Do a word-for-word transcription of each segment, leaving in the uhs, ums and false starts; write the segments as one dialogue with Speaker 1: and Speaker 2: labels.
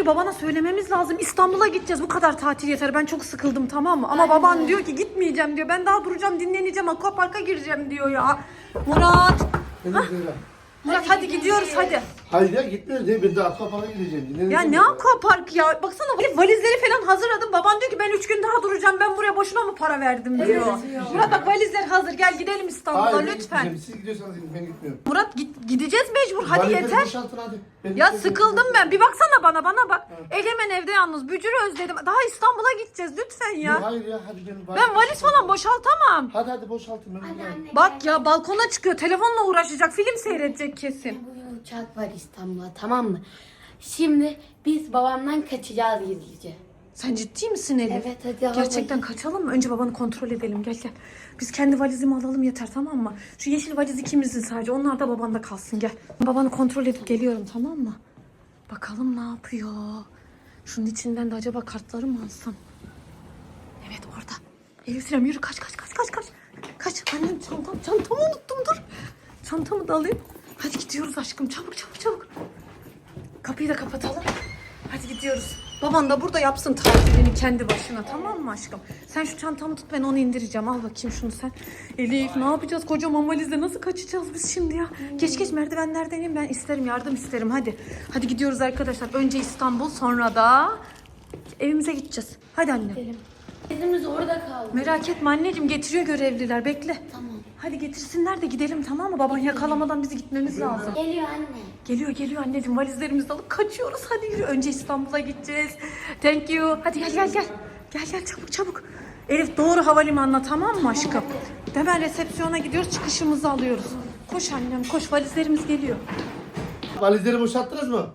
Speaker 1: önce babana söylememiz lazım. İstanbul'a gideceğiz. Bu kadar tatil yeter. Ben çok sıkıldım, tamam mı? Ama baban diyor ki gitmeyeceğim diyor. Ben daha duracağım, dinleneceğim. Aquapark'a gireceğim diyor ya. Murat. Murat hadi gidiyoruz hadi.
Speaker 2: Hayır ya gitmiyoruz değil. Ben de Aquapark'a gideceğim.
Speaker 1: Ya ne aquapark ya? Baksana valizleri falan hazırladım. Baban diyor ki ben üç gün daha duracağım. Ben buraya boşuna mı para verdim diyor. Evet, Murat bak valizler hazır. Gel gidelim İstanbul'a
Speaker 2: Hayır,
Speaker 1: lütfen.
Speaker 2: Siz gidiyorsanız gidin, ben gitmiyorum.
Speaker 1: Murat git, gideceğiz mecbur. Hadi
Speaker 2: Valizleri
Speaker 1: yeter.
Speaker 2: boşaltın hadi. Ben
Speaker 1: Ya
Speaker 2: gitmiyorum.
Speaker 1: sıkıldım ben. Bir baksana bana bana bak. Egemen evde yalnız. Bücür'ü özledim. Daha İstanbul'a gideceğiz lütfen ya.
Speaker 2: Yok, hayır ya hadi ben
Speaker 1: Ben valiz falan boşaltamam.
Speaker 2: Hadi hadi boşaltın. Ben buradayım.
Speaker 1: Bak ya balkona çıkıyor. Telefonla uğraşacak. Film seyredecek kesin.
Speaker 3: Bugün uçak var İstanbul'a, tamam mı? Şimdi biz babamdan kaçacağız gizlice.
Speaker 1: Sen ciddi misin Elif?
Speaker 3: Evet, hadi al
Speaker 1: Gerçekten
Speaker 3: bakayım.
Speaker 1: kaçalım mı? Önce babanı kontrol edelim. Gel gel. Biz kendi valizimi alalım yeter, tamam mı? Şu yeşil valiz ikimizin sadece. Onlar da babanda kalsın, gel. Babanı kontrol edip geliyorum, tamam mı? Bakalım ne yapıyor. Şunun içinden de acaba kartları mı alsam? Evet orada. Elif Sinem yürü, kaç kaç kaç kaç kaç. Kaç annem, çantam çantamı unuttum, dur. Çantamı da alayım. Hadi gidiyoruz aşkım, çabuk çabuk çabuk. Kapıyı da kapatalım. Hadi gidiyoruz. Baban da burada yapsın tatilini kendi başına, tamam mı aşkım? Sen şu çantamı tut, ben onu indireceğim. Al bakayım şunu sen. Elif ne yapacağız kocaman valizle, nasıl kaçacağız biz şimdi ya? Geç geç merdivenlerden in, ben isterim, yardım isterim, hadi. Hadi gidiyoruz arkadaşlar. Önce İstanbul, sonra da evimize gideceğiz. Hadi anne.
Speaker 3: Gidelim. Bizimiz orada kaldı.
Speaker 1: Merak etme anneciğim, getiriyor görevliler, bekle.
Speaker 3: Tamam.
Speaker 1: Hadi getirsinler de gidelim, tamam mı? Baban yakalamadan bizi gitmemiz lazım.
Speaker 3: Geliyor anne.
Speaker 1: Geliyor geliyor anneciğim, valizlerimizi alıp kaçıyoruz. Hadi yürü, önce İstanbul'a gideceğiz. Thank you. Hadi gel gel gel. Gel gel çabuk çabuk. Elif doğru havalimanına, tamam mı aşkım? Hemen resepsiyona gidiyoruz, çıkışımızı alıyoruz. Koş annem koş, valizlerimiz geliyor.
Speaker 2: Valizleri boşalttınız mı?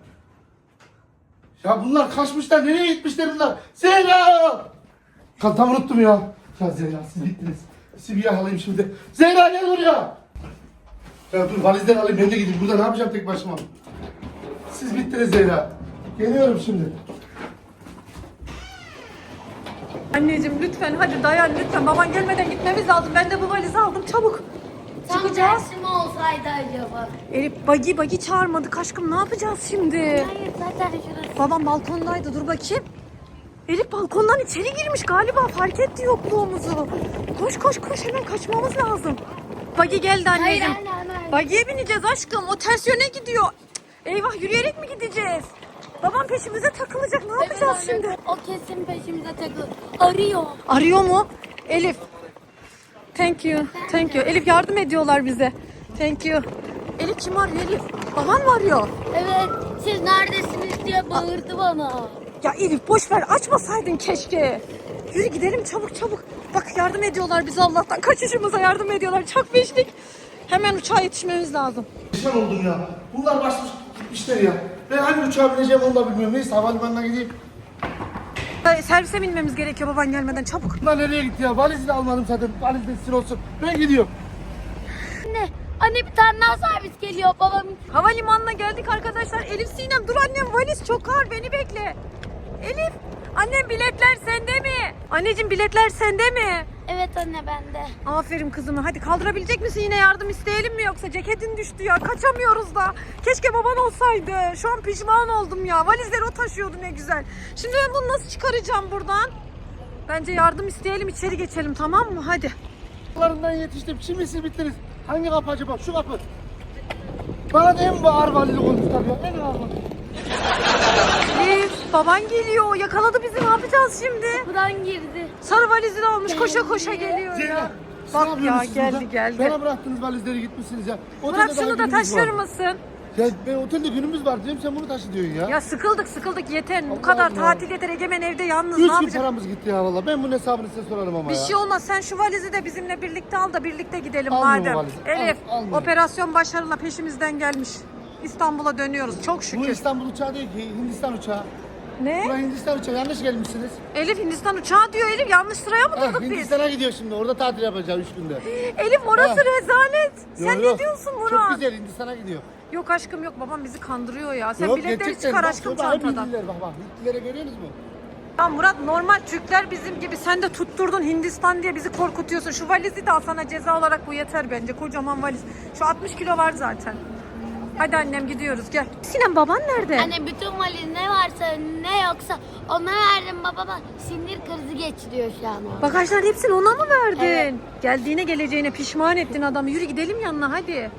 Speaker 2: Ya bunlar kaçmışlar. Nereye gitmişler bunlar? Zehra! Tam unuttum ya. Ya Zehra siz bittiniz. Sizi bir yakalayayım şimdi. Zehra gel buraya. Ya dur valizleri alayım, ben de gideyim. Burada ne yapacağım tek başıma? Siz bittiniz Zehra. Geliyorum şimdi.
Speaker 1: Anneciğim lütfen hadi dayan lütfen. Baban gelmeden gitmemiz lazım. Ben de bu valizi aldım, çabuk.
Speaker 3: Tam
Speaker 1: Çıkacağız.
Speaker 3: tersi mi olsaydı acaba?
Speaker 1: Elif bagi bagi çağırmadık aşkım, ne yapacağız şimdi?
Speaker 3: Hayır, zaten şurası.
Speaker 1: Babam balkondaydı, dur bakayım. Elif balkondan içeri girmiş galiba, fark etti yokluğumuzu. Koş koş koş, hemen kaçmamız lazım. Bagi geldi anneciğim.
Speaker 3: Hayır anne, anne.
Speaker 1: Bagiye bineceğiz aşkım, o ters yöne gidiyor. Cık, eyvah, yürüyerek mi gideceğiz? Babam peşimize takılacak, ne yapacağız
Speaker 3: Evet anne,
Speaker 1: şimdi?
Speaker 3: O kesin peşimize takılır. Arıyor.
Speaker 1: Arıyor mu? Elif. Thank you. Thank you. Elif yardım ediyorlar bize. Thank you. Elif kim arıyor Elif? Baban mı arıyor?
Speaker 3: Evet, siz neredesiniz diye bağırdı bana.
Speaker 1: Ya Elif boş ver, açmasaydın keşke. Yürü gidelim çabuk çabuk. Bak yardım ediyorlar bize Allah'tan. Kaçışımıza yardım ediyorlar. Çok beşlik. Hemen uçağa yetişmemiz lazım.
Speaker 2: Pişman oldum ya. Bunlar başmış gitmişler ya. Ben hangi uçağa bineceğim onu da bilmiyorum. Neyse havalimanına gideyim.
Speaker 1: Ee, Servise binmemiz gerekiyor baban gelmeden, çabuk.
Speaker 2: Bunlar nereye gitti ya? Valizini almadım zaten. Valiz de sizin olsun. Ben gidiyorum.
Speaker 3: Anne, anne bir tane daha servis geliyor babam.
Speaker 1: Havalimanına geldik arkadaşlar. Elif Sinem dur annem, valiz çok ağır, beni bekle. Elif annem, biletler sende mi? Anneciğim biletler sende mi?
Speaker 3: Evet anne, bende.
Speaker 1: Aferin kızıma. Hadi kaldırabilecek misin, yine yardım isteyelim mi yoksa? Ceketin düştü ya, kaçamıyoruz da. Keşke baban olsaydı. Şu an pişman oldum ya. Valizleri o taşıyordu, ne güzel. Şimdi ben bunu nasıl çıkaracağım buradan? Bence yardım isteyelim, içeri geçelim, tamam mı? Hadi.
Speaker 2: Yollarından yetiştim. Şimdi siz bittiniz. Hangi kapı acaba? Şu kapı. Bana da en ağır valizi koymuşlar ya. En ağır valizi.
Speaker 1: Elif baban geliyor. Yakaladı bizi, ne yapacağız şimdi?
Speaker 3: Buradan girdi.
Speaker 1: Sarı valizini almış, koşa koşa geliyor
Speaker 2: Zehra.
Speaker 1: ya.
Speaker 2: siz
Speaker 1: Bak
Speaker 2: ne
Speaker 1: ya,
Speaker 2: yapıyorsunuz
Speaker 1: geldi,
Speaker 2: burada?
Speaker 1: geldi.
Speaker 2: Bana bıraktınız valizleri, gitmişsiniz ya. Otelde
Speaker 1: Murat
Speaker 2: daha
Speaker 1: şunu da
Speaker 2: günümüz
Speaker 1: taşır
Speaker 2: var.
Speaker 1: mısın?
Speaker 2: Ya ben otelde günümüz var diyorum, sen bunu taşı diyorsun ya.
Speaker 1: Ya sıkıldık sıkıldık yeter. Bu
Speaker 2: Allah
Speaker 1: kadar
Speaker 2: Allah.
Speaker 1: tatil yeter. Egemen evde yalnız,
Speaker 2: Üç
Speaker 1: ne
Speaker 2: gün
Speaker 1: yapacak?
Speaker 2: paramız gitti ya valla. Ben bunun hesabını size sorarım ama
Speaker 1: Bir
Speaker 2: ya.
Speaker 1: şey olmaz. Sen şu valizi de bizimle birlikte al da birlikte gidelim
Speaker 2: Almıyorum
Speaker 1: madem.
Speaker 2: valizi.
Speaker 1: Elif,
Speaker 2: Al- almıyorum.
Speaker 1: operasyon başarıyla peşimizden gelmiş. İstanbul'a dönüyoruz. Çok
Speaker 2: Bu
Speaker 1: şükür.
Speaker 2: İstanbul uçağı değil ki, Hindistan uçağı.
Speaker 1: Ne?
Speaker 2: Buraya Hindistan uçağı, yanlış gelmişsiniz.
Speaker 1: Elif Hindistan uçağı diyor Elif. Yanlış sıraya mı
Speaker 2: Ha,
Speaker 1: durduk biz?
Speaker 2: Hindistan'a gidiyor şimdi, orada tatil yapacağız üç günde.
Speaker 1: Elif orası
Speaker 2: Ha.
Speaker 1: rezalet. Sen
Speaker 2: Yok,
Speaker 1: ne
Speaker 2: yok.
Speaker 1: diyorsun
Speaker 2: Çok
Speaker 1: Murat?
Speaker 2: güzel, Hindistan'a gidiyor.
Speaker 1: Yok aşkım yok. Babam bizi kandırıyor ya. Sen
Speaker 2: Yok,
Speaker 1: biletleri
Speaker 2: gerçekten.
Speaker 1: çıkar
Speaker 2: Bak,
Speaker 1: aşkım
Speaker 2: şurada hep
Speaker 1: çantadan.
Speaker 2: Hintliler, bak bak. Hintlilere görüyorsunuz mu?
Speaker 1: Ya Murat, normal Türkler bizim gibi. Sen de tutturdun Hindistan diye bizi korkutuyorsun. Şu valizi de al, sana ceza olarak bu yeter bence. Kocaman valiz. Şu altmış kilo var zaten. Hadi annem gidiyoruz, gel. Sinem baban nerede?
Speaker 3: Anne bütün valizini ne varsa ne yoksa ona verdim babama. Sinir krizi geçiriyor şu an o.
Speaker 1: Bagajların hepsini ona mı verdin?
Speaker 3: Evet.
Speaker 1: Geldiğine geleceğine pişman ettin adamı. Yürü gidelim yanına hadi.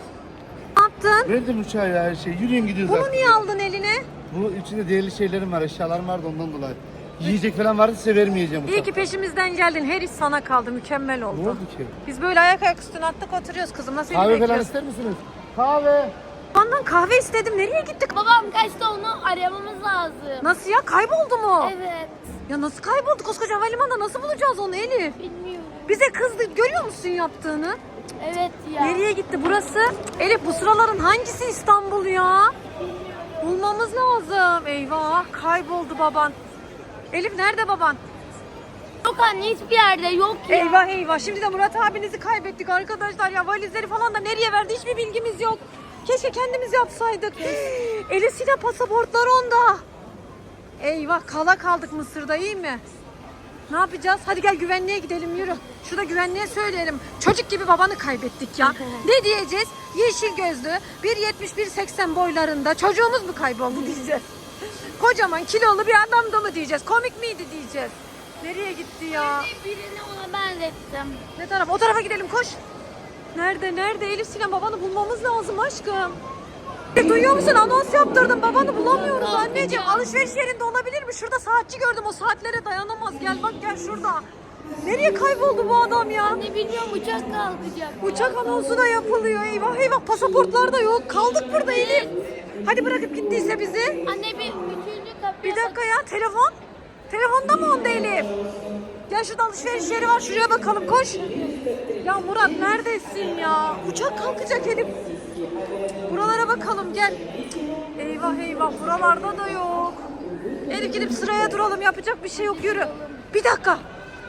Speaker 1: Ne yaptın?
Speaker 2: Verdim uçağa ya her şey. Yürüyün gidiyoruz
Speaker 1: Bunu
Speaker 2: artık.
Speaker 1: niye aldın eline?
Speaker 2: Bu içinde değerli şeylerim var, eşyalarım vardı ondan dolayı. Yiyecek falan vardı size vermeyeceğim
Speaker 1: İyi
Speaker 2: uçakta.
Speaker 1: ki peşimizden geldin. Her iş sana kaldı. Mükemmel oldu.
Speaker 2: Ne oldu ki?
Speaker 1: Biz böyle ayak ayak üstüne attık oturuyoruz kızım. Nasıl
Speaker 2: Kahve falan
Speaker 1: bekliyoruz?
Speaker 2: ister misiniz? Kahve.
Speaker 1: Ondan kahve istedim. Nereye gittik?
Speaker 3: Babam kaçtı, onu aramamız lazım.
Speaker 1: Nasıl ya? Kayboldu mu?
Speaker 3: Evet.
Speaker 1: Ya nasıl kayboldu? Koskoca havalimanında nasıl bulacağız onu Elif?
Speaker 3: Bilmiyorum.
Speaker 1: Bize kızdı. Görüyor musun yaptığını?
Speaker 3: Evet ya.
Speaker 1: Nereye gitti burası? Elif bu sıraların hangisi İstanbul ya? Bulmamız lazım. Eyvah kayboldu baban. Elif nerede baban?
Speaker 3: Yok anne, hiçbir yerde yok ya.
Speaker 1: Eyvah eyvah. Şimdi de Murat abinizi kaybettik arkadaşlar ya. Valizleri falan da nereye verdi hiçbir bilgimiz yok. Keşke kendimiz yapsaydık. Elif Sinem pasaportlar onda. Eyvah kala kaldık Mısır'da, iyi mi? Ne yapacağız? Hadi gel güvenliğe gidelim yürü. Şurada güvenliğe söyleyelim. Çocuk gibi babanı kaybettik ya. Ne diyeceğiz? Yeşil gözlü, bir yetmiş bir seksen boylarında çocuğumuz mu kayboldu diyeceğiz. Kocaman kilolu bir adamdı mı diyeceğiz. Komik miydi diyeceğiz. Nereye gitti ya?
Speaker 3: Birini ona benzettim.
Speaker 1: Ne taraf? O tarafa gidelim koş. Nerede nerede Elif Sinem, babanı bulmamız lazım aşkım. E, duyuyor musun? Anons yaptırdım. Babanı bulamıyoruz anneciğim. Alışveriş yerinde olabilir mi? Şurada saatçi gördüm. O saatlere dayanamaz. Gel bak gel şurada. Nereye kayboldu bu adam ya?
Speaker 3: Anne bilmiyorum, uçak kalkacak.
Speaker 1: Uçak anonsu da yapılıyor. Eyvah eyvah, pasaportlar da yok. Kaldık burada Elif. Hadi bırakıp gittiyse bizi.
Speaker 3: Anne bir üçüncü kapıya
Speaker 1: Bir dakika ya, telefon. Telefonda mı onda Elif? Gel şurada alışveriş yeri var, şuraya bakalım koş. Ya Murat neredesin ya? Uçak kalkacak Elif. Buralara bakalım gel. Eyvah eyvah, buralarda da yok. Elif gidip sıraya duralım, yapacak bir şey yok, yürü. Bir dakika.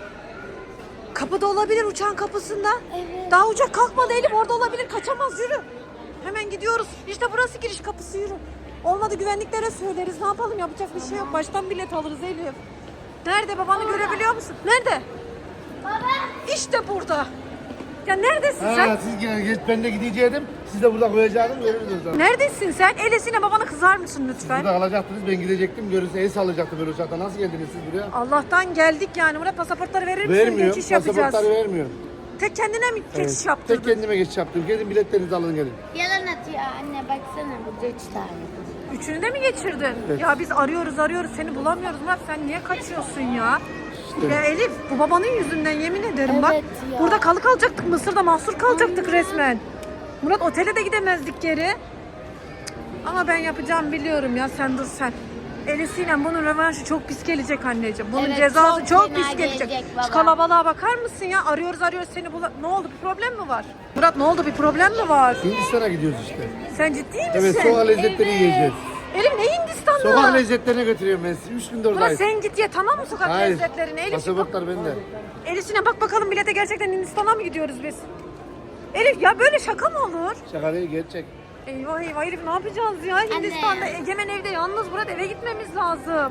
Speaker 1: Kapıda olabilir, uçağın kapısında.
Speaker 3: Evet.
Speaker 1: Daha uçak kalkmadı Elif, orada olabilir, kaçamaz, yürü. Hemen gidiyoruz. İşte burası giriş kapısı, yürü. Olmadı güvenliklere söyleriz. Ne yapalım, yapacak bir şey yok. Baştan bilet alırız Elif. Nerede, babanı görebiliyor musun? Nerede?
Speaker 3: Baba.
Speaker 1: İşte burada. Ya neredesin
Speaker 2: Ha,
Speaker 1: sen?
Speaker 2: siz gel, geç, ben de gideceğim. Siz de burada koyacaktım, görürüz o zaman.
Speaker 1: Neredesin sen? Elesine babana kızar mısın lütfen?
Speaker 2: Burada alacaktınız, ben gidecektim. Görürse el sallayacaktı böyle uçakta. Nasıl geldiniz siz buraya?
Speaker 1: Allah'tan geldik yani. Murat pasaportları verir misin?
Speaker 2: Vermiyor,
Speaker 1: Geçiş yapacağız.
Speaker 2: pasaportları vermiyor.
Speaker 1: Tek kendine mi geçiş
Speaker 2: Evet,
Speaker 1: yaptırdın?
Speaker 2: tek kendime geçiş yaptım. Gelin biletlerinizi alın gelin.
Speaker 3: Yalan atıyor anne, baksana burada üç tane.
Speaker 1: Üçünü de mi geçirdin?
Speaker 2: Evet.
Speaker 1: Ya biz arıyoruz arıyoruz seni bulamıyoruz Murat, sen niye kaçıyorsun ya?
Speaker 2: İşte.
Speaker 1: Ya Elif, bu babanın yüzünden yemin ederim bak.
Speaker 3: Evet ya.
Speaker 1: Burada kalı kalacaktık, Mısır'da mahsur kalacaktık resmen. Murat otele de gidemezdik geri. Cık. Ama ben yapacağım biliyorum ya, sen dur sen. Elif Sinem, bunun rövanşı çok pis gelecek anneciğim. Bunun
Speaker 3: Evet,
Speaker 1: cezası
Speaker 3: çok
Speaker 1: çok,
Speaker 3: fena
Speaker 1: pis gelecek.
Speaker 3: gelecek
Speaker 1: Şu
Speaker 3: baba.
Speaker 1: kalabalığa bakar mısın ya? Arıyoruz arıyoruz seni bula... Ne oldu, bir problem mi var? Murat ne oldu, bir problem mi var?
Speaker 2: Hindistan'a gidiyoruz işte.
Speaker 1: Sen ciddi misin?
Speaker 2: Evet, sokak lezzetleri
Speaker 3: Evet.
Speaker 2: yiyeceğiz.
Speaker 1: Elif ne Hindistan'da?
Speaker 2: Sokak lezzetlerine götürüyorum ben sizi. Üç gündür
Speaker 1: Murat
Speaker 2: oradayız.
Speaker 1: sen git ye tamam mı sokak
Speaker 2: Hayır.
Speaker 1: lezzetlerine? Elif,
Speaker 2: Pasaportlar bende.
Speaker 1: Elif Sinem bak bakalım bilete, gerçekten Hindistan'a mı gidiyoruz biz? Elif ya böyle şaka mı olur?
Speaker 2: Şaka değil, gerçek.
Speaker 1: Eyvah eyvah Elif, ne yapacağız ya? Hindistan'da Egemen evde yalnız, Murat eve gitmemiz lazım.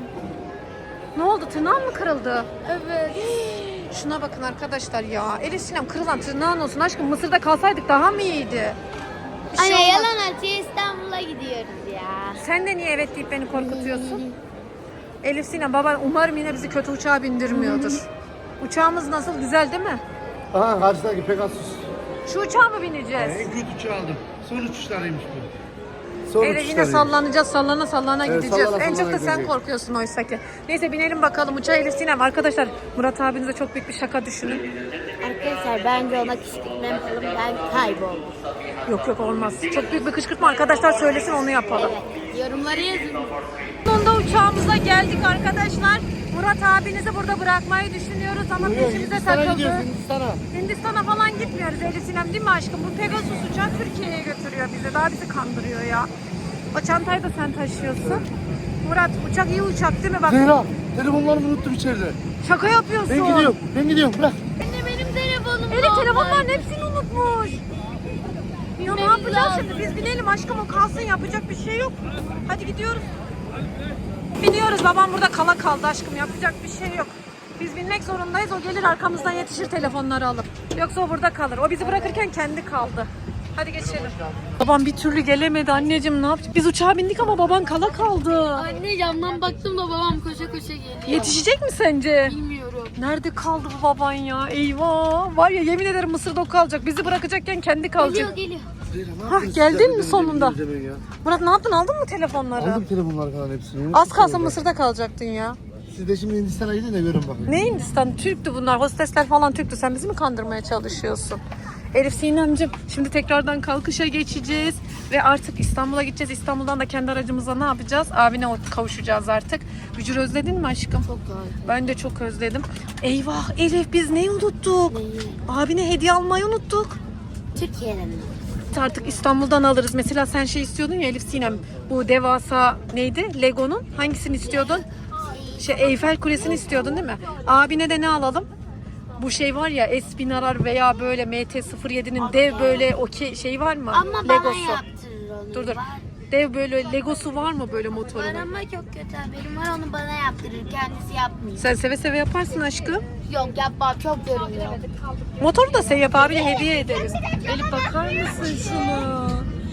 Speaker 1: Ne oldu, tırnağın mı kırıldı?
Speaker 3: Evet.
Speaker 1: Şuna bakın arkadaşlar ya. Elif Sinem, kırılan tırnağın olsun aşkım, Mısır'da kalsaydık daha mı iyiydi? Bir şey
Speaker 3: Anne
Speaker 1: olmaz.
Speaker 3: yalan atıyor, İstanbul'a gidiyoruz ya.
Speaker 1: Sen de niye evet deyip beni korkutuyorsun? Elif Sinem, baban umarım yine bizi kötü uçağa bindirmiyordur. Uçağımız nasıl, güzel değil mi?
Speaker 2: Aha, karşıdaki Pegasus.
Speaker 1: Şu uçağa mı bineceğiz?
Speaker 2: En kötü uçağı aldım. Son uçuşlarıymış bu. Son
Speaker 1: Elif yine
Speaker 2: uçuşlarıymış.
Speaker 1: sallanacağız, sallana sallana
Speaker 2: Evet,
Speaker 1: gideceğiz.
Speaker 2: sallana
Speaker 1: En çok da
Speaker 2: sallana
Speaker 1: sen
Speaker 2: gideceğiz.
Speaker 1: korkuyorsun oysa ki. Neyse binelim bakalım uçağa Elif Sinem. Arkadaşlar Murat abinize çok büyük bir şaka düşünün.
Speaker 3: Arkadaşlar bence ona kışkırtma yapalım, ben kayboldum.
Speaker 1: Yok yok olmaz. Çok büyük bir kışkırtma, arkadaşlar söylesin onu yapalım.
Speaker 3: Evet, yorumları yazın.
Speaker 1: Sonunda uçağımıza geldik arkadaşlar. Murat abinizi burada bırakmayı düşünüyoruz ama
Speaker 2: Buyurun,
Speaker 1: peşimize
Speaker 2: Hindistan'a
Speaker 1: takıldı.
Speaker 2: gidiyoruz, Hindistan'a.
Speaker 1: Hindistan'a falan gitmiyoruz Elif Sinem, değil mi aşkım? Bu Pegasus uçağı Türkiye'ye götürüyor bizi. Daha bizi kandırıyor ya. O çantayı da sen taşıyorsun. Murat uçak iyi uçak değil mi? Bak
Speaker 2: Zehra, telefonlarımı unuttum içeride.
Speaker 1: şaka yapıyorsun.
Speaker 2: Ben gidiyorum, ben gidiyorum. Bırak.
Speaker 3: Anne benim telefonum
Speaker 1: Elif telefonların hepsini unutmuş. Ya ne yapacağız şimdi? Biz binelim aşkım, o kalsın, yapacak bir şey yok. Hadi gidiyoruz. Biniyoruz, babam burada kala kaldı aşkım, yapacak bir şey yok. Biz binmek zorundayız, o gelir arkamızdan yetişir telefonları alıp. Yoksa o burada kalır. O bizi bırakırken kendi kaldı. Hadi geçelim. Babam bir türlü gelemedi anneciğim, ne yapacağız? Biz uçağa bindik ama baban kala kaldı.
Speaker 3: Anne camdan baktım da babam koşa koşa geliyor.
Speaker 1: Yetişecek mi sence?
Speaker 3: Bilmiyorum.
Speaker 1: Nerede kaldı bu baban ya? Eyvah. Var ya, yemin ederim Mısır'da o kalacak. Bizi bırakacakken kendi kalacak.
Speaker 3: Geliyor geliyor.
Speaker 1: Hah, geldin mi sonunda? Murat ne yaptın? Aldın mı telefonları?
Speaker 2: Aldım telefonlar falan hepsini.
Speaker 1: Az kalsın Mısır'da kalacaktın ya.
Speaker 2: Siz de şimdi Hindistan'a gidin de görün bakın.
Speaker 1: Ne Hindistan? Türktü bunlar. Hostesler falan Türktü. Sen bizi mi kandırmaya çalışıyorsun? Elif Sinemcim, şimdi tekrardan kalkışa geçeceğiz ve artık İstanbul'a gideceğiz. İstanbul'dan da kendi aracımızla ne yapacağız? Abine kavuşacağız artık. Bücür, özledin mi aşkım?
Speaker 3: Çok güzel.
Speaker 1: Ben de çok özledim. Eyvah Elif, biz neyi unuttuk?
Speaker 3: Neyi?
Speaker 1: Abine hediye almayı unuttuk.
Speaker 3: Türkiye'den mi?
Speaker 1: Artık İstanbul'dan alırız. Mesela sen şey istiyordun ya Elif Sinem. Bu devasa neydi? Lego'nun hangisini istiyordun? Şey, Eyfel Kulesi'ni istiyordun değil mi? Abine de ne alalım? Bu şey var ya, Espinarar veya böyle M T sıfır yedi'nin dev böyle okey şey var mı?
Speaker 3: Ama bana
Speaker 1: Legosu.
Speaker 3: yaptırır onu.
Speaker 1: Dur dur.
Speaker 3: Var.
Speaker 1: Dev böyle Legosu var mı böyle
Speaker 3: Var
Speaker 1: motorunun?
Speaker 3: ama çok kötü haberim var, onu bana yaptırır. Kendisi yapmıyor.
Speaker 1: Sen seve seve yaparsın aşkım.
Speaker 3: Yok yapmam, çok görünüyor.
Speaker 1: Motoru da sen yap, abine hediye ederiz. Elif bakar mısın şunu?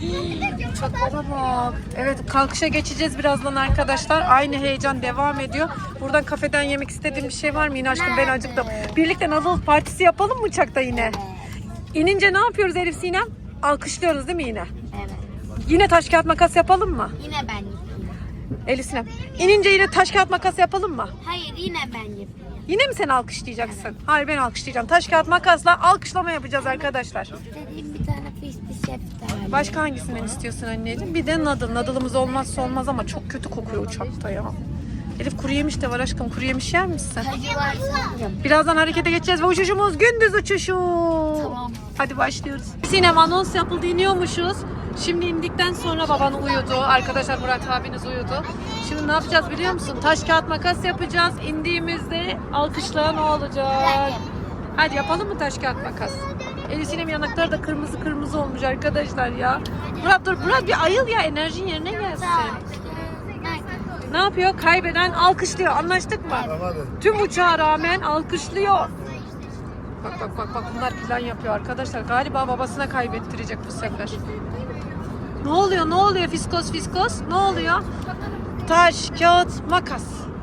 Speaker 1: Uçaklara bak. Evet, kalkışa geçeceğiz birazdan arkadaşlar. Aynı heyecan devam ediyor. Buradan kafeden yemek istediğim bir şey var mı? Yine aşkım, ben acıktım. Birlikte Nadal partisi yapalım mı uçakta yine? İnince ne yapıyoruz Elif Sinem? Alkışlıyoruz değil mi yine?
Speaker 3: Evet.
Speaker 1: Yine taş kağıt makas yapalım mı?
Speaker 3: Yine ben yapıyorum.
Speaker 1: Elif Sinem. İnince yine taş kağıt makas yapalım mı?
Speaker 3: Hayır, yine ben yapıyorum.
Speaker 1: Yine mi sen alkışlayacaksın? Hayır, ben alkışlayacağım. Taş kağıt makasla alkışlama yapacağız arkadaşlar.
Speaker 3: Dediğim bir tane fişli şef de var.
Speaker 1: Başka hangisinden istiyorsun anneciğim? Bir de nadıl. Nadılımız olmazsa olmaz ama çok kötü kokuyor uçakta ya. Elif, kuru yemiş de var aşkım. Kuru yemiş yer misin?
Speaker 3: Kacı var sanırım.
Speaker 1: Birazdan harekete geçeceğiz ve uçuşumuz gündüz uçuşu.
Speaker 3: Tamam.
Speaker 1: Hadi başlıyoruz. Sinem, anons yapıldı, iniyormuşuz. Şimdi indikten sonra baban uyudu. Arkadaşlar, Murat abiniz uyudu. Şimdi ne yapacağız biliyor musun? Taş kağıt makas yapacağız. İndiğimizde alkışlayan o olacak. Hadi yapalım mı taş kağıt makas? Elif Sinem yanakları da kırmızı kırmızı olmuş arkadaşlar ya. Murat dur, Murat bir ayıl ya, enerjin yerine gelsin. Ne yapıyor? Kaybeden alkışlıyor. Anlaştık mı?
Speaker 2: Tamam hadi.
Speaker 1: Tüm uçağa rağmen alkışlıyor. Bak bak bak bak, bunlar plan yapıyor arkadaşlar. Galiba babasına kaybettirecek bu sefer. Ne oluyor? Ne oluyor? Fiskos fiskos. Ne oluyor? Taş, kağıt, makas.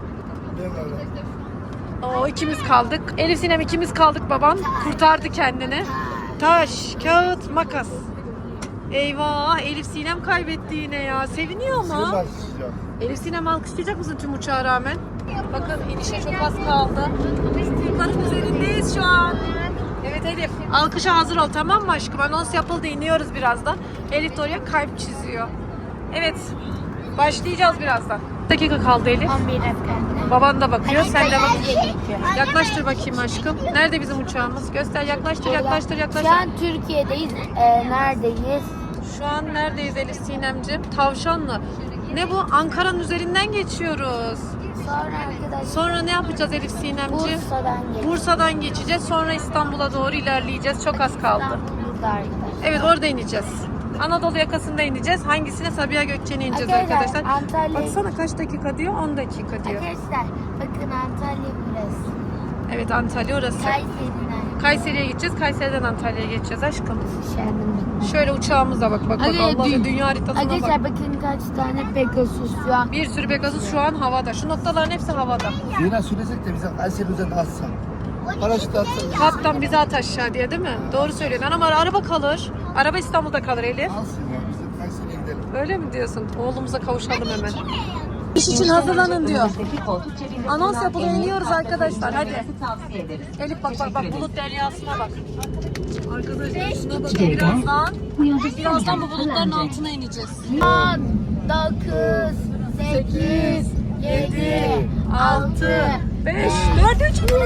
Speaker 1: Oo, ikimiz kaldık. Elif Sinem ikimiz kaldık babam. Kurtardı kendini. Taş, kağıt, makas. Eyvah, Elif Sinem kaybetti yine ya. Seviniyor mu? Elif Sinem, alkışlayacak mısın tüm uçağa rağmen? Bakın, inişe çok az kaldı. Uçakların üzerindeyiz şu an. Evet Elif, alkışa hazır ol, tamam mı aşkım? Anons yapıldı, iniyoruz birazdan. Elif de oraya kalp çiziyor. Evet, başlayacağız birazdan. Bir dakika kaldı Elif.
Speaker 3: on bir dakika.
Speaker 1: Baban da bakıyor, sen de bak.
Speaker 3: bak.
Speaker 1: Yaklaştır bakayım aşkım. Nerede bizim uçağımız? Göster, yaklaştır, yaklaştır, yaklaştır.
Speaker 3: Şu an Türkiye'deyiz. Ee, neredeyiz?
Speaker 1: Şu an neredeyiz Elif Sinemciğim? Tavşanlı. Ne bu? Ankara'nın üzerinden geçiyoruz.
Speaker 3: Sonra arkadaşlar
Speaker 1: Sonra ne yapacağız Elif Sinemciğim?
Speaker 3: Bursa'dan geçiyoruz.
Speaker 1: Bursa'dan geçeceğiz. Sonra İstanbul'a doğru ilerleyeceğiz. Çok az kaldı.
Speaker 3: Burada arkadaşlar.
Speaker 1: Evet, orada ineceğiz. Anadolu yakasında ineceğiz. Hangisine? Sabiha Gökçen'e ineceğiz
Speaker 3: Arkadaşlar,
Speaker 1: arkadaşlar.
Speaker 3: Antalya-
Speaker 1: Baksana kaç dakika diyor? on dakika diyor.
Speaker 3: Arkadaşlar bakın, Antalya burası.
Speaker 1: Evet, Antalya orası.
Speaker 3: Kayseri'den.
Speaker 1: Kayseri'ye gideceğiz. Kayseri'den Antalya'ya geçeceğiz aşkım.
Speaker 3: Şendim.
Speaker 1: Şöyle uçağımıza bak bak bak. Allah
Speaker 3: dü-
Speaker 1: dünya haritasına bak.
Speaker 3: Arkadaşlar bakın kaç tane Pegasus şu an.
Speaker 1: Bir sürü Pegasus şu an havada. Şu noktaların hepsi havada.
Speaker 2: Zeyna söylesek de bize Kayseri üzerinde atsa. Paraşütle atsa.
Speaker 1: Kaptan bizi at aşağı diye, değil mi? Doğru söylüyorsun. Ama araba kalır. Araba İstanbul'da kalır Elif.
Speaker 2: Alsın ya bize Kayseri'ye gidelim.
Speaker 1: Öyle mi diyorsun? Oğlumuza kavuşalım hemen. İş için hazırlanın diyor. Anons yapılıyor, iniyoruz arkadaşlar. Hadi. Elif bak bak bak, bulut deryasına bak. Arkadaşlar şuna bakın, birazdan. Birazdan bu bulutların altına ineceğiz.
Speaker 3: on, dokuz, sekiz, yedi, altı,
Speaker 1: beş, dört, üç, bir.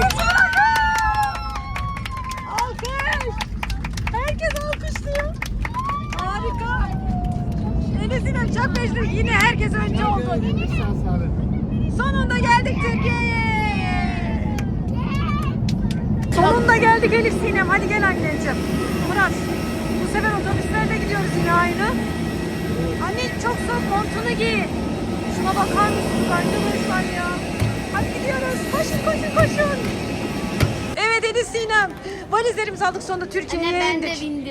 Speaker 1: Alkış. Herkes alkışlıyor. Harika. Enes'in çok meşhur. Yine herkes önce oldu. Sonunda geldik Türkiye'ye. Sonunda geldik Elif Sinem. Hadi gel anneciğim. Murat, bu sefer otobüslerle gidiyoruz yine aynı. Anne çok soğuk, montunu giy. Şuna bakar mısınız arkadaşlar ya? Hadi gidiyoruz. Koşun koşun koşun. Evet Elif Sinem. Valizlerimizi aldık, sonunda Türkiye'ye
Speaker 3: Anne ben de
Speaker 1: indik.
Speaker 3: bindim.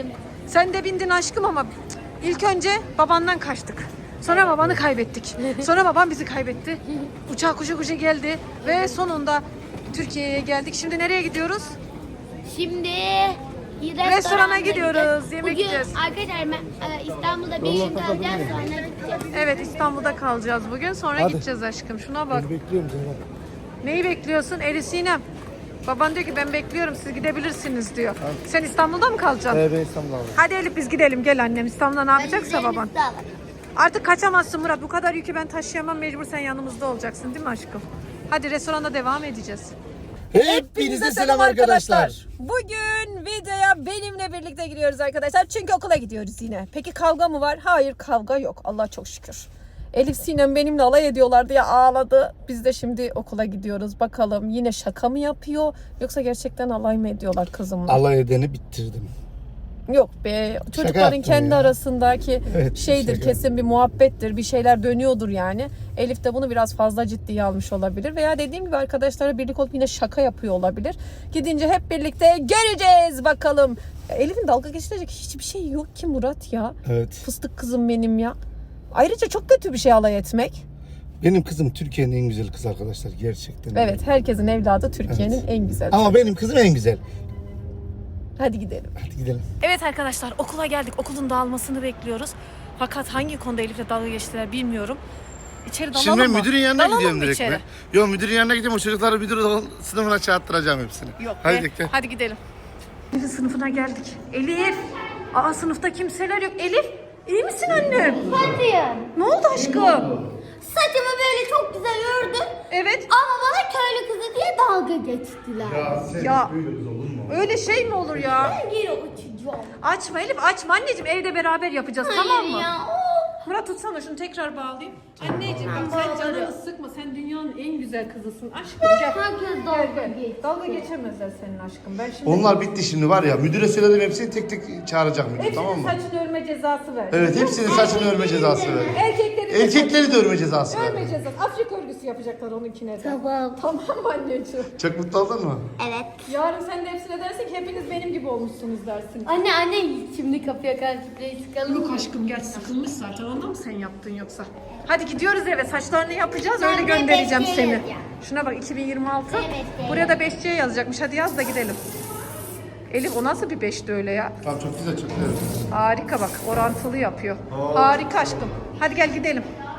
Speaker 1: Sen de bindin aşkım ama ilk önce babandan kaçtık. Sonra babanı kaybettik. Sonra babam bizi kaybetti. Uçağa koşa koşa geldi ve sonunda Türkiye'ye geldik. Şimdi nereye gidiyoruz?
Speaker 3: Şimdi
Speaker 1: Restorana gidiyoruz, yemek
Speaker 3: Bugün
Speaker 1: yiyeceğiz.
Speaker 3: arkadaşlar ben, e, İstanbul'da bir gün kalacağız sonra gideceğiz.
Speaker 1: Evet, İstanbul'da kalacağız bugün. Sonra
Speaker 2: Hadi.
Speaker 1: gideceğiz aşkım. Şuna bak.
Speaker 2: Bekliyorum seni.
Speaker 1: Neyi bekliyorsun? Elif Sinem. Baban diyor ki ben bekliyorum, siz gidebilirsiniz diyor. Sen İstanbul'da mı kalacaksın?
Speaker 2: Evet ben İstanbul'da aldım.
Speaker 1: Hadi Elif biz gidelim, gel annem. İstanbul'da ne yapacaksa baban.
Speaker 3: Valizlerimizi de alalım.
Speaker 1: Artık kaçamazsın Murat. Bu kadar yükü ben taşıyamam. Mecbur sen yanımızda olacaksın değil mi aşkım? Hadi restoranda devam edeceğiz.
Speaker 2: Hepinize selam arkadaşlar.
Speaker 1: Bugün videoya benimle birlikte gidiyoruz arkadaşlar. Çünkü okula gidiyoruz yine. Peki kavga mı var? Hayır, kavga yok. Allah çok şükür. Elif Sinem benimle alay ediyorlar diye ağladı. Biz de şimdi okula gidiyoruz. Bakalım yine şaka mı yapıyor yoksa gerçekten alay mı ediyorlar kızımla?
Speaker 2: Alay edeni bitirdim.
Speaker 1: Yok be. Çocukların
Speaker 2: yaptım
Speaker 1: kendi
Speaker 2: ya.
Speaker 1: arasındaki
Speaker 2: Evet,
Speaker 1: şeydir,
Speaker 2: şaka.
Speaker 1: kesin bir muhabbettir. Bir şeyler dönüyordur yani. Elif de bunu biraz fazla ciddiye almış olabilir. Veya dediğim gibi arkadaşlarla birlik olup yine şaka yapıyor olabilir. Gidince hep birlikte göreceğiz bakalım. Ya Elif'in dalga geçirecek hiçbir şey yok ki Murat ya.
Speaker 2: Evet.
Speaker 1: Fıstık kızım benim ya. Ayrıca çok kötü bir şey alay etmek.
Speaker 2: Benim kızım Türkiye'nin en güzel kızı arkadaşlar gerçekten.
Speaker 1: Evet, herkesin evladı Türkiye'nin
Speaker 2: Evet.
Speaker 1: en güzel.
Speaker 2: Ama benim kızım en güzel.
Speaker 1: Hadi gidelim.
Speaker 2: Hadi gidelim.
Speaker 1: Evet arkadaşlar, okula geldik. Okulun dağılmasını bekliyoruz. Fakat hangi konuda Elif'le dalga geçtiler bilmiyorum. İçeri dalalım
Speaker 2: Şimdi ben
Speaker 1: mı?
Speaker 2: müdürün yanına
Speaker 1: Dalalım
Speaker 2: gidiyorum
Speaker 1: mı
Speaker 2: direkt
Speaker 1: içeri?
Speaker 2: mi? Yok müdürün yanına gidiyorum. O çocukları müdür sınıfına çağırttıracağım hepsini.
Speaker 1: Yok
Speaker 2: Hadi
Speaker 1: be.
Speaker 2: gidelim, gel.
Speaker 1: Hadi gidelim. Elif'in sınıfına geldik. Elif! Aa, sınıfta kimseler yok. Elif! İyi misin annem?
Speaker 3: Hadi.
Speaker 1: Ne oldu aşkım?
Speaker 3: Saçımı böyle çok güzel ördüm.
Speaker 1: Evet.
Speaker 3: Ama bana köylü kızı diye dalga geçtiler.
Speaker 1: Ya öyle şey mi olur ya?
Speaker 3: Ben geri uçacağım.
Speaker 1: Açma Elif, açma anneciğim. Evde beraber yapacağız, tamam mı?
Speaker 3: Hayır ya. of.
Speaker 1: Murat tutsana şunu, tekrar bağlayayım. Anneciğim bak, sen canını sıkma. Sen dünyanın en güzel kızısın. Aşkım gel.
Speaker 3: Herkes dalga geçti.
Speaker 1: Dalga geçemezler senin aşkım. Ben şimdi
Speaker 2: Onlar bitti şimdi var ya. Müdüre söyledim hepsini tek tek çağıracak müdür,
Speaker 1: hepsinin
Speaker 2: tamam mı?
Speaker 1: saçını örme cezası ver.
Speaker 2: Evet hepsinin saçını örme cezası ver.
Speaker 1: Erkekleri de
Speaker 2: Erkekleri de örme cezası ver.
Speaker 1: örme cezası. Afrika örgüsü yapacaklar onunkine de.
Speaker 3: Tamam.
Speaker 1: Tamam mı anneciğim?
Speaker 2: Çok mutlu oldun mu?
Speaker 3: Evet.
Speaker 1: Yarın sen de hepsine dersin ki hepiniz benim gibi olmuşsunuz dersin.
Speaker 3: Anne anne şimdi kapıya karşı play sıkalım.
Speaker 1: Yok aşkım gel, sıkılmış zaten. Ondan mı sen yaptın yoksa? Hadi gidiyoruz eve, saçlarını yapacağız,
Speaker 3: Ben
Speaker 1: öyle
Speaker 3: de
Speaker 1: göndereceğim
Speaker 3: beşçiye
Speaker 1: seni.
Speaker 3: yazacağım.
Speaker 1: Şuna bak, iki bin yirmi altı.
Speaker 3: Evet, evet.
Speaker 1: Buraya da beşçiye yazacakmış. Hadi yaz da gidelim. Elif o nasıl bir beşti öyle ya?
Speaker 2: Tamam çok güzel çok güzel.
Speaker 1: Harika bak, orantılı yapıyor. Harika aşkım. Hadi gel gidelim.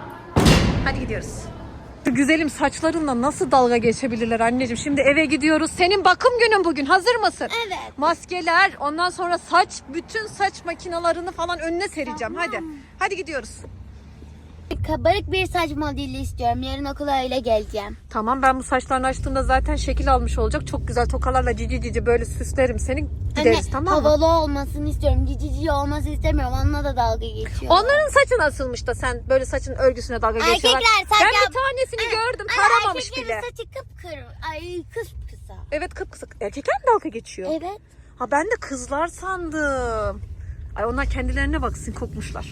Speaker 1: Hadi gidiyoruz. Şu güzelim saçlarınla nasıl dalga geçebilirler anneciğim? Şimdi eve gidiyoruz. Senin bakım günün bugün. Hazır mısın?
Speaker 3: Evet.
Speaker 1: Maskeler, ondan sonra saç, bütün saç makinalarını falan önüne sereceğim. Hadi. Hadi gidiyoruz.
Speaker 3: Kabarık bir saç modeli istiyorum. Yarın okula öyle geleceğim.
Speaker 1: Tamam, ben bu saçlarını açtığımda zaten şekil almış olacak. Çok güzel tokalarla cici cici böyle süslerim seni. Gideriz,
Speaker 3: Anne
Speaker 1: tamam mı?
Speaker 3: havalı olmasını istiyorum. Cici cici olması istemiyorum. Onunla da dalga geçiyor.
Speaker 1: Onların saçı nasılmış da sen böyle saçın örgüsüne dalga geçiyorlar.
Speaker 3: Erkekler saç
Speaker 1: Ben
Speaker 3: yap-
Speaker 1: bir tanesini gördüm,
Speaker 3: Anne,
Speaker 1: taramamış
Speaker 3: erkeklerin
Speaker 1: bile.
Speaker 3: saçı kıpkırı. Ay kıpkısa.
Speaker 1: Evet, kıpkısa. Erkekler mi dalga geçiyor?
Speaker 3: Evet.
Speaker 1: Ha, ben de kızlar sandım. Ay onlar kendilerine baksın, kokmuşlar.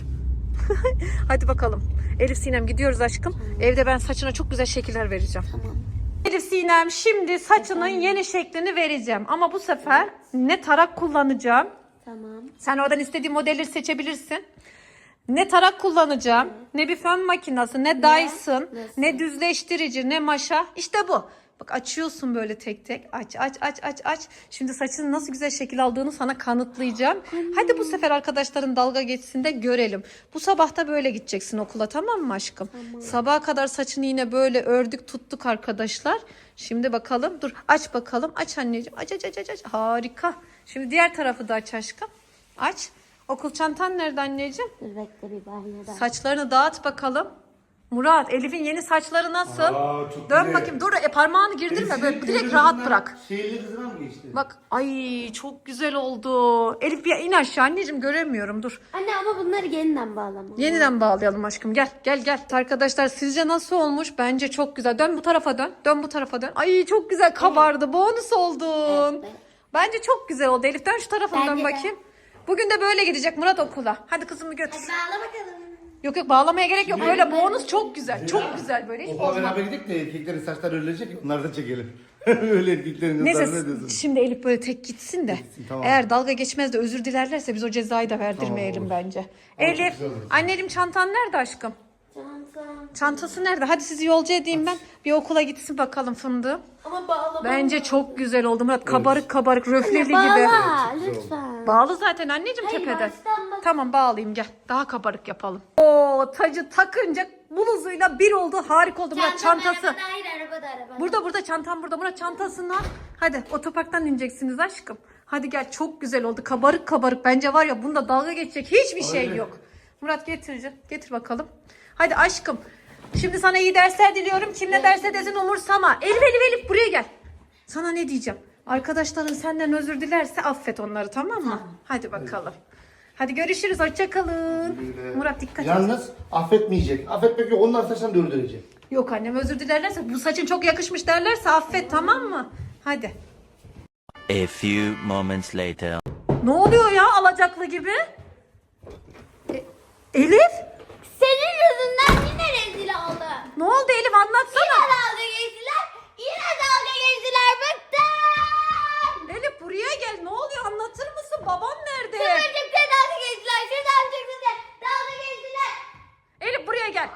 Speaker 1: Hadi bakalım. Elif Sinem gidiyoruz aşkım. Evde ben saçına çok güzel şekiller vereceğim.
Speaker 3: Tamam.
Speaker 1: Elif Sinem şimdi saçının yeni şeklini vereceğim. Ama bu sefer ne tarak kullanacağım.
Speaker 3: Tamam.
Speaker 1: Sen oradan istediğin modelleri seçebilirsin. Ne tarak kullanacağım, ne bir fön makinesi, ne Dyson,
Speaker 3: Nasıl?
Speaker 1: ne düzleştirici, ne maşa. İşte bu. Bak açıyorsun böyle tek tek. Aç aç aç aç aç. Şimdi saçının nasıl güzel şekil aldığını sana kanıtlayacağım. Hadi bu sefer arkadaşların dalga geçsin de görelim. Bu sabah da böyle gideceksin okula, tamam mı aşkım? Sabaha kadar saçını yine böyle ördük tuttuk arkadaşlar. Şimdi bakalım, dur aç bakalım. Aç anneciğim, aç aç aç aç. aç. Harika. Şimdi diğer tarafı da aç aşkım. Aç. Okul çantan nerede anneciğim?
Speaker 3: Dur bekle bir banyoda.
Speaker 1: Saçlarını dağıt bakalım. Murat, Elif'in yeni saçları nasıl?
Speaker 2: Aa, çok
Speaker 1: Dön
Speaker 2: güzel.
Speaker 1: bakayım. Dur, e, parmağını girdirme. Böyle direkt rahat bırak.
Speaker 2: Şehirli kızına mı geçti?
Speaker 1: Bak, ay çok güzel oldu. Elif bir in aşağı anneciğim, göremiyorum. Dur.
Speaker 3: Anne ama bunları yeniden bağlama.
Speaker 1: Yeniden bağlayalım aşkım. Gel gel gel. Arkadaşlar sizce nasıl olmuş? Bence çok güzel. Dön bu tarafa dön. Dön bu tarafa dön. Ay çok güzel kabardı. Bonus oldun.
Speaker 3: Evet.
Speaker 1: Bence çok güzel oldu. Elif dön şu tarafa dön
Speaker 3: Bence de.
Speaker 1: bakayım. Bugün de böyle gidecek Murat okula. Hadi kızımı götür.
Speaker 3: Bağla bakalım.
Speaker 1: Yok yok, bağlamaya gerek yok. Böyle bonus çok güzel. Çok güzel böyle. Hiç
Speaker 2: Okula
Speaker 1: bozma.
Speaker 2: beraber gidelim de erkeklerin saçları örülecek. Onları da çekelim. Öyle erkeklerin kızlarına
Speaker 1: Neyse
Speaker 2: ne diyorsun?
Speaker 1: şimdi Elif böyle tek gitsin de.
Speaker 2: Gitsin, tamam.
Speaker 1: Eğer dalga geçmez de özür dilerlerse biz o cezayı da verdirmeyelim
Speaker 2: Tamam, olur.
Speaker 1: bence.
Speaker 2: Ama çok
Speaker 1: Elif,
Speaker 2: güzel olur.
Speaker 1: anneciğim çantan nerede aşkım?
Speaker 3: Çantam.
Speaker 1: Çantası nerede? Hadi sizi yolcu edeyim ben. Bir okula gitsin bakalım fındığım.
Speaker 3: Ama bağlama.
Speaker 1: Bence çok güzel oldu Murat. Kabarık kabarık röfleli gibi.
Speaker 3: Bağla
Speaker 2: Evet, çok güzel
Speaker 3: lütfen.
Speaker 1: Bağlı zaten anneciğim
Speaker 3: Hayır,
Speaker 1: tepeden.
Speaker 3: baştan bak.
Speaker 1: Tamam bağlayayım gel. Daha kabarık yapalım. Oo tacı takınca bluzuyla bir oldu. Harika oldu Murat çantası.
Speaker 3: Arabada, hayır arabada arabada.
Speaker 1: Burada burada çantam burada. Murat çantasını al. Hadi otoparktan ineceksiniz aşkım. Hadi gel çok güzel oldu. Kabarık kabarık. Bence var ya bunda dalga geçecek hiçbir şey
Speaker 2: Aynen.
Speaker 1: yok. Murat getir. Getir bakalım. Hadi aşkım. Şimdi sana iyi dersler diliyorum. Kim ne derse desin umursama. Elif Elif Elif buraya gel. Sana ne diyeceğim? Arkadaşların senden özür dilerse affet onları tamam mı? Hadi bakalım. Hadi görüşürüz. Hoşça kalın.
Speaker 2: Böyle-
Speaker 1: Murat dikkat et.
Speaker 2: Yalnız affetmeyecek. Affetmek yok. Onlar saçlarını dördürecek.
Speaker 1: Yok annem özür dilerlerse bu saçın çok yakışmış derlerse affet tamam mı? Hadi.
Speaker 4: A few moments later.
Speaker 1: Ne oluyor ya alacaklı gibi? E- Elif?
Speaker 3: Senin yüzünden yine rezil oldum.
Speaker 1: Ne oldu Elif anlatsana.
Speaker 3: Yine dalga geçtiler. Yine dalga geçtiler. Bıktım.
Speaker 1: Elif buraya gel ne oluyor anlatır mısın? Baban nerede?
Speaker 3: Kıvırcıkta dalga geçtiler. Şuradan çıktı dalga geçtiler.
Speaker 1: Elif buraya gel.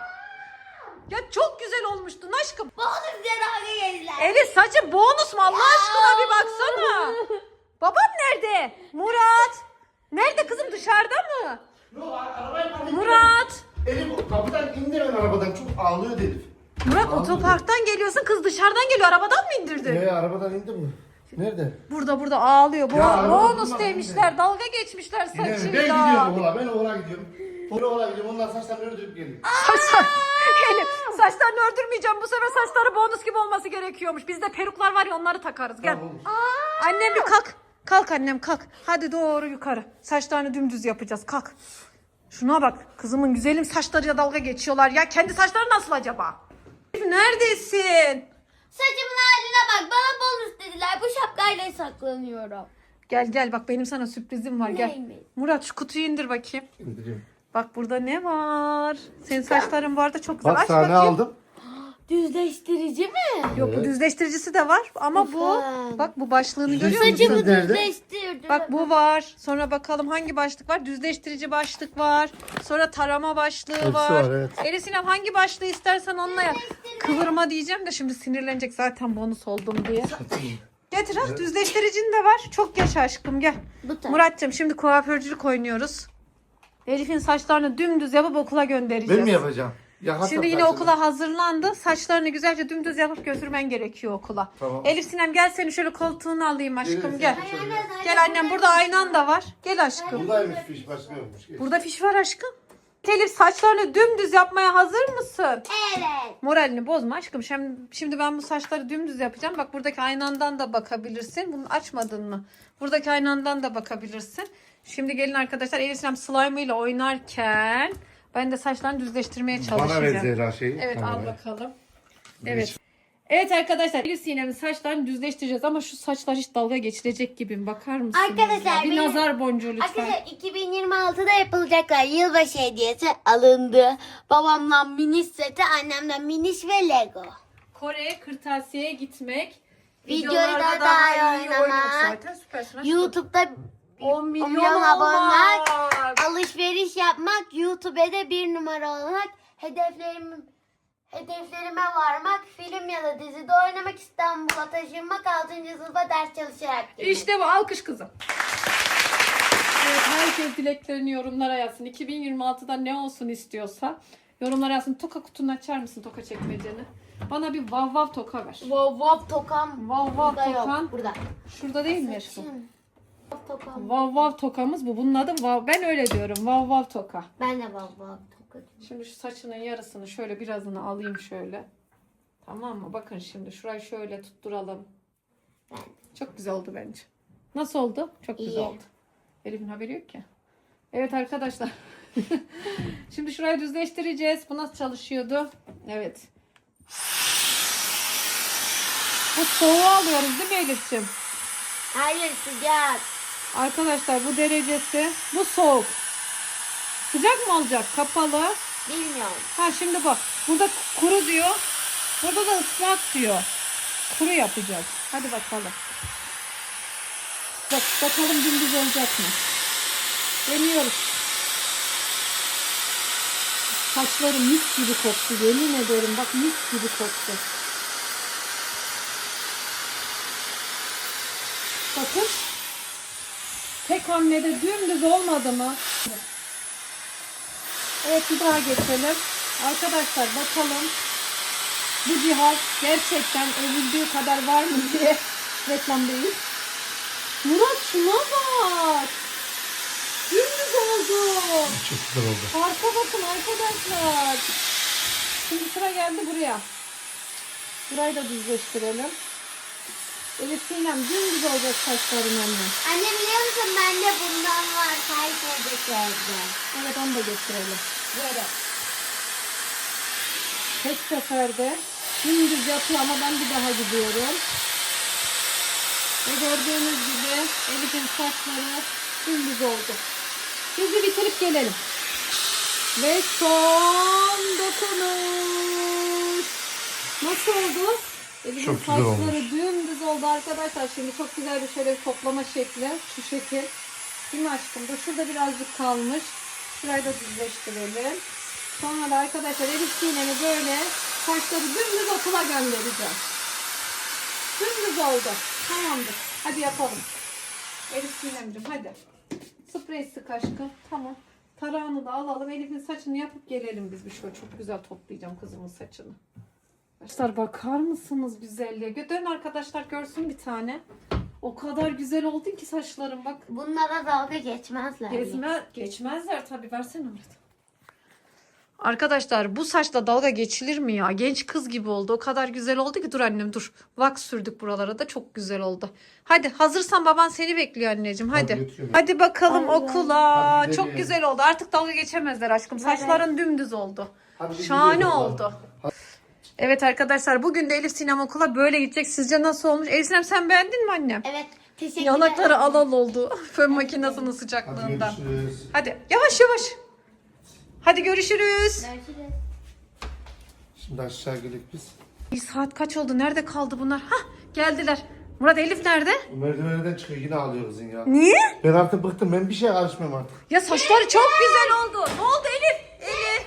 Speaker 1: Ya çok güzel olmuştun aşkım.
Speaker 3: Bonus diye dalga geçtiler.
Speaker 1: Elif saçın bonus mu Allah aşkına bir baksana. Baban nerede? Murat. Nerede kızım dışarıda mı?
Speaker 2: Yok arabayı park
Speaker 1: Murat.
Speaker 2: Elif kapıdan indi ben arabadan. Çok ağlıyor Elif.
Speaker 1: Murat
Speaker 2: Ağlıyor.
Speaker 1: otoparktan geliyorsun kız dışarıdan geliyor arabadan mı indirdin?
Speaker 2: Ee, arabadan indi mi? Nerede?
Speaker 1: Burada burada ağlıyor.
Speaker 2: Ya, arabada
Speaker 1: Bonus
Speaker 2: durma,
Speaker 1: demişler. Dalga geçmişler
Speaker 2: Ben
Speaker 1: saçıyla.
Speaker 2: gidiyorum ola. Ben ola gidiyorum. Ben ola gidiyorum. Onlar saçlarını ördürüp geliyor.
Speaker 1: Saçlar. Elif saçlarını ördürmeyeceğim. Bu sefer saçları bonus gibi olması gerekiyormuş. Bizde peruklar var ya onları takarız. Gel.
Speaker 2: Tamam, olur.
Speaker 1: Annem bir kalk. Kalk annem kalk. Hadi doğru yukarı. Saçlarını dümdüz yapacağız. Kalk. Şuna bak. Kızımın güzelim saçlarıyla dalga geçiyorlar. Ya kendi saçları nasıl acaba? Elif, neredesin?
Speaker 3: Saçımın haline bak. Bana bonus dediler. Bu şapkayla saklanıyorum.
Speaker 1: Gel gel bak benim sana sürprizim var. Gel.
Speaker 3: Neymiş?
Speaker 1: Murat şu kutuyu indir bakayım.
Speaker 2: İndiriyorum.
Speaker 1: Bak burada ne var? Senin saçların bu arada çok güzel.
Speaker 2: Bak
Speaker 1: Aç
Speaker 2: sana ne
Speaker 1: bakayım.
Speaker 2: aldım?
Speaker 3: Düzleştirici mi?
Speaker 1: Yok bu
Speaker 2: Evet.
Speaker 1: düzleştiricisi de var ama bu
Speaker 3: Lütfen.
Speaker 1: bak bu başlığını görüyor
Speaker 2: Düzleştirici
Speaker 1: musun?
Speaker 3: Saçımı
Speaker 2: nerede?
Speaker 3: düzleştirdi.
Speaker 1: Bak bu var. Sonra bakalım hangi başlık var? Düzleştirici başlık var. Sonra tarama başlığı
Speaker 2: Hepsi
Speaker 1: var.
Speaker 2: var, evet.
Speaker 1: Elif Sinem hangi başlığı istersen onunla yap. Kıvırma diyeceğim de şimdi sinirlenecek zaten bonus oldum diye. Getir ha düzleştiricin de var. Çok yaşa aşkım gel.
Speaker 3: Bu tarz.
Speaker 1: Muratcığım şimdi kuaförcülük oynuyoruz. Elif'in saçlarını dümdüz yapıp okula göndereceğiz.
Speaker 2: Ben mi yapacağım? Ya,
Speaker 1: Şimdi yine okula hazırlandı. Saçlarını güzelce dümdüz yapıp götürmen gerekiyor okula.
Speaker 2: Tamam.
Speaker 1: Elif Sinem gel seni şöyle koltuğunu alayım aşkım
Speaker 2: Evet,
Speaker 1: gel.
Speaker 2: evet.
Speaker 3: Ay, anne, zaten
Speaker 1: Gel annem burada aynan da var. Gel aşkım.
Speaker 2: Buradaymış fiş başka yokmuş. Geç.
Speaker 1: Burada fiş var aşkım. Elif saçlarını dümdüz yapmaya hazır mısın?
Speaker 3: Evet.
Speaker 1: Moralini bozma aşkım. Şimdi, şimdi ben bu saçları dümdüz yapacağım. Bak buradaki aynandan da bakabilirsin. Bunu açmadın mı? Buradaki aynandan da bakabilirsin. Şimdi gelin arkadaşlar Elif Sinem slime ile oynarken ben de saçlarını düzleştirmeye çalışacağım.
Speaker 2: Bana ver Zehra şeyi.
Speaker 1: Evet
Speaker 2: Tamam,
Speaker 1: al
Speaker 2: ver.
Speaker 1: bakalım. Evet. Evet arkadaşlar Elif Sinem'in saçlarını düzleştireceğiz ama şu saçlar hiç dalga geçirecek gibi mi? Bakar mısınız?
Speaker 3: Arkadaşlar,
Speaker 1: ya? Bir
Speaker 3: benim-
Speaker 1: nazar boncuğu lütfen.
Speaker 3: Arkadaşlar iki bin yirmi altıda yapılacaklar yılbaşı hediyesi alındı. Babamdan miniş seti, annemden miniş ve Lego.
Speaker 1: Kore'ye kırtasiyeye gitmek.
Speaker 3: Videoyu
Speaker 1: videolarda
Speaker 3: da daha iyi
Speaker 1: oynamak.
Speaker 3: oynamak.
Speaker 1: Zaten süpersin aşkım.
Speaker 3: YouTube'da
Speaker 1: on milyon,
Speaker 3: milyon abone,
Speaker 1: olmak.
Speaker 3: alışveriş yapmak, YouTube'da bir numara olmak, hedeflerim hedeflerime varmak, film ya da dizide oynamak, İstanbul'a taşınmak, altıncı sınıfa ders çalışarak girmek.
Speaker 1: İşte bu alkış kızım. Evet herkes dileklerini yorumlara yazsın. iki bin yirmi altıda ne olsun istiyorsa yorumlara yazsın. Toka kutunu açar mısın toka çekmeceni? Bana bir vav vav toka ver.
Speaker 3: Wow wow tokam.
Speaker 1: Vav vav
Speaker 3: Burada yok,
Speaker 1: tokan.
Speaker 3: burada.
Speaker 1: Şurada değil mi Ersu?
Speaker 3: Wow tokam.
Speaker 1: Vav vav tokamız bu. Bunun adı vav. Ben öyle diyorum. Vav vav toka.
Speaker 3: Ben de wow wow toka.
Speaker 1: Şimdi şu saçının yarısını şöyle birazını alayım şöyle. Tamam mı? Bakın şimdi şurayı şöyle tutturalım.
Speaker 3: Ben.
Speaker 1: Çok güzel oldu bence. Nasıl oldu? Çok güzel
Speaker 3: İyi.
Speaker 1: oldu. Elif'in haberi yok ki. Evet arkadaşlar. Şimdi şurayı düzleştireceğiz. Bu nasıl çalışıyordu? Evet. Bu soğuğu alıyoruz değil mi Elif'ciğim?
Speaker 3: Hayır sıcak.
Speaker 1: Arkadaşlar bu derecesi. Bu soğuk. Sıcak mı olacak? Kapalı.
Speaker 3: Bilmiyorum.
Speaker 1: Ha şimdi bak. Burada kuru diyor. Burada da ıslak diyor. Kuru yapacağız. Hadi bakalım. Bak, bakalım dümdüz olacak mı? Deniyoruz. Saçları mis gibi koktu. Yemin ederim bak mis gibi koktu. Bakın. Tek hamlede dümdüz olmadı mı? Evet bir daha geçelim. Arkadaşlar bakalım. Bu cihaz gerçekten övüldüğü kadar var mı diye reklam değil. Murat şuna bak. Dümdüz oldu.
Speaker 2: Çok güzel oldu.
Speaker 1: Arka bakın arkadaşlar. Şimdi sıra geldi buraya. Burayı da düzleştirelim. Elif Sinem dümdüz olacak saçların anne.
Speaker 3: Anne biliyor musun bende bundan var. Kayseri'deki evde.
Speaker 1: Evet onu da getirelim. Böyle. Tek seferde dümdüz yapıyor ama ben bir daha gidiyorum. Ve gördüğünüz gibi Elif'in saçları dümdüz oldu. Biz bir bitirip gelelim. Ve son dokunuş. Nasıl oldu? Elif'in
Speaker 2: Çok güzel
Speaker 1: saçları
Speaker 2: olmuş.
Speaker 1: dümdüz oldu arkadaşlar. Şimdi çok güzel bir şöyle bir toplama şekli. Şu şekil. Değil mi aşkım? Dur şurada birazcık kalmış. Şurayı da düzleştirelim. Sonra da arkadaşlar Elif Sinem'i böyle saçları dümdüz okula göndereceğim. Dümdüz oldu. Tamamdır. Hadi yapalım. Elif Sinem'cim hadi. Sprey sık aşkım. Tamam. Tarağını da alalım. Elif'in saçını yapıp gelelim biz bir şöyle. Çok güzel toplayacağım kızımın saçını. Arkadaşlar bakar mısınız güzelliğe? Dön arkadaşlar görsün bir tane. O kadar güzel oldun ki saçlarım bak.
Speaker 3: Bunlara dalga geçmezler.
Speaker 1: Gezme, geçmezler tabii. Versene Murat. Arkadaşlar bu saçla dalga geçilir mi ya? Genç kız gibi oldu. O kadar güzel oldu ki. Dur annem dur. Wax sürdük buralara da çok güzel oldu. Hadi hazırsan baban seni bekliyor anneciğim. Hadi. Hadi,
Speaker 2: götürüyorum.
Speaker 1: Hadi bakalım
Speaker 3: Allah.
Speaker 1: okula.
Speaker 2: Hadi
Speaker 1: çok
Speaker 2: gidelim.
Speaker 1: güzel oldu. Artık dalga geçemezler aşkım. Saçların dümdüz oldu.
Speaker 2: Hadi biz
Speaker 1: Şahane
Speaker 2: gidiyoruz okula.
Speaker 1: oldu. Evet arkadaşlar bugün de Elif Sinem okula böyle gidecek. Sizce nasıl olmuş? Elif Sinem sen beğendin mi annem?
Speaker 3: Evet. Teşekkür
Speaker 1: Yanakları
Speaker 3: ederim.
Speaker 1: alal oldu. Fön makinesinin
Speaker 2: Hadi
Speaker 1: sıcaklığından.
Speaker 2: görüşürüz.
Speaker 1: Hadi yavaş yavaş. Hadi görüşürüz.
Speaker 3: Görüşürüz.
Speaker 2: Şimdi aşağı gelip biz.
Speaker 1: İyi, saat kaç oldu? Nerede kaldı bunlar? Hah geldiler. Murat Elif nerede?
Speaker 2: Bu merdivenlerden çıkıyor yine ağlıyor kızın ya.
Speaker 1: Niye?
Speaker 2: Ben artık bıktım. Ben bir şeye karışmıyorum artık.
Speaker 1: Ya saçları çok güzel oldu. Ne oldu Elif? Elif.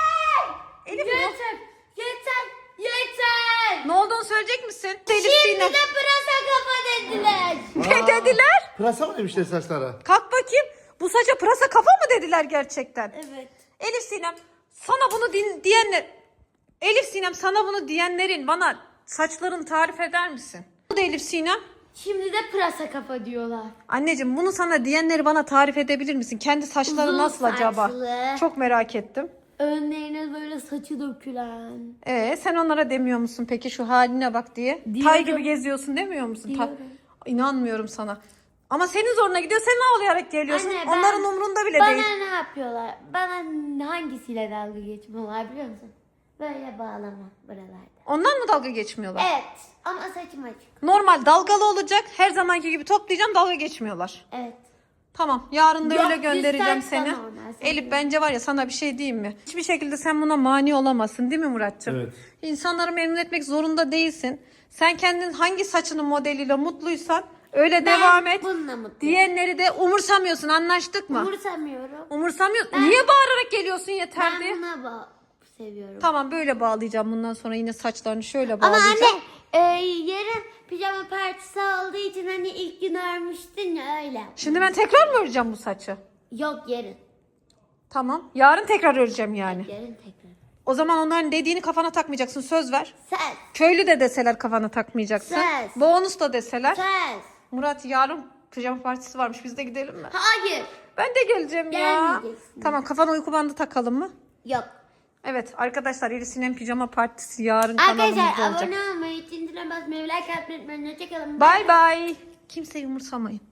Speaker 1: Elif ne?
Speaker 3: Yeter. Yeter. Yeter.
Speaker 1: Ne olduğunu söyleyecek misin? Elif
Speaker 3: Şimdi
Speaker 1: Sinem.
Speaker 3: de pırasa kafa dediler.
Speaker 1: Ne
Speaker 2: Aa,
Speaker 1: dediler?
Speaker 2: Pırasa mı demişler saçlara?
Speaker 1: Kalk bakayım. Bu saça pırasa kafa mı dediler gerçekten?
Speaker 3: Evet.
Speaker 1: Elif Sinem sana bunu din diyenler Elif Sinem sana bunu diyenlerin bana saçlarını tarif eder misin? Bu da Elif Sinem.
Speaker 3: Şimdi de pırasa kafa diyorlar.
Speaker 1: Anneciğim bunu sana diyenleri bana tarif edebilir misin? Kendi saçları
Speaker 3: Uzun
Speaker 1: nasıl acaba?
Speaker 3: saçlı.
Speaker 1: Çok merak ettim.
Speaker 3: Önlerine böyle saçı dökülen.
Speaker 1: Ee, sen onlara demiyor musun peki şu haline bak diye?
Speaker 3: Diyorum.
Speaker 1: Tay gibi geziyorsun demiyor musun? Ta-
Speaker 3: Diyorum.
Speaker 1: İnanmıyorum sana. Ama senin zoruna gidiyor. Sen ağlayarak geliyorsun.
Speaker 3: Anne, ben-
Speaker 1: Onların umrunda bile
Speaker 3: Bana
Speaker 1: değil.
Speaker 3: ne yapıyorlar? Bana hangisiyle dalga geçmiyorlar biliyor musun? Böyle bağlama buralarda.
Speaker 1: Ondan mı dalga geçmiyorlar?
Speaker 3: Evet. Ama saçım açık.
Speaker 1: Normal dalgalı olacak. Her zamanki gibi toplayacağım. Dalga geçmiyorlar.
Speaker 3: Evet.
Speaker 1: Tamam. Yarın da
Speaker 3: Yok,
Speaker 1: öyle göndereceğim
Speaker 3: düz saç da
Speaker 1: seni.
Speaker 3: normal, sen
Speaker 1: Elif
Speaker 3: de.
Speaker 1: bence var ya sana bir şey diyeyim mi? Hiçbir şekilde sen buna mani olamazsın değil mi Muratcığım?
Speaker 2: Evet.
Speaker 1: İnsanları memnun etmek zorunda değilsin. Sen kendin hangi saçının modeliyle mutluysan öyle devam et.
Speaker 3: bununla mutluyum.
Speaker 1: Diğerleri de umursamıyorsun. Anlaştık mı?
Speaker 3: Umursamıyorum.
Speaker 1: Umursamıyorsun.
Speaker 3: Ben-
Speaker 1: Niye bağırarak geliyorsun yeter
Speaker 3: Ben
Speaker 1: diye?
Speaker 3: buna ba- seviyorum.
Speaker 1: Tamam böyle bağlayacağım bundan sonra yine saçlarını şöyle
Speaker 3: Ama
Speaker 1: bağlayacağım.
Speaker 3: anne e, yarın pijama partisi olduğu için hani ilk gün örmüştün ya öyle.
Speaker 1: Şimdi ben tekrar mı öreceğim bu saçı?
Speaker 3: Yok yarın.
Speaker 1: Tamam. Yarın tekrar öreceğim yani.
Speaker 3: Yarın tekrar.
Speaker 1: O zaman onların dediğini kafana takmayacaksın. Söz ver.
Speaker 3: Söz.
Speaker 1: Köylü de deseler kafana takmayacaksın.
Speaker 3: Söz.
Speaker 1: Bonus da deseler.
Speaker 3: Söz.
Speaker 1: Murat yarın pijama partisi varmış. Biz de gidelim mi?
Speaker 3: Hayır.
Speaker 1: Ben de geleceğim ya.
Speaker 3: Gelmeyeceksin.
Speaker 1: Tamam kafana uyku bandı takalım mı?
Speaker 3: Yok.
Speaker 1: Evet arkadaşlar Elif Sinem pijama partisi yarın kanalımızda
Speaker 3: Arkadaşlar
Speaker 1: olacak.
Speaker 3: abone olmayı, çintine basmayı, like atmayı unutmayın. Hoşçakalın.
Speaker 1: Bye bye. Kimseyi umursamayın.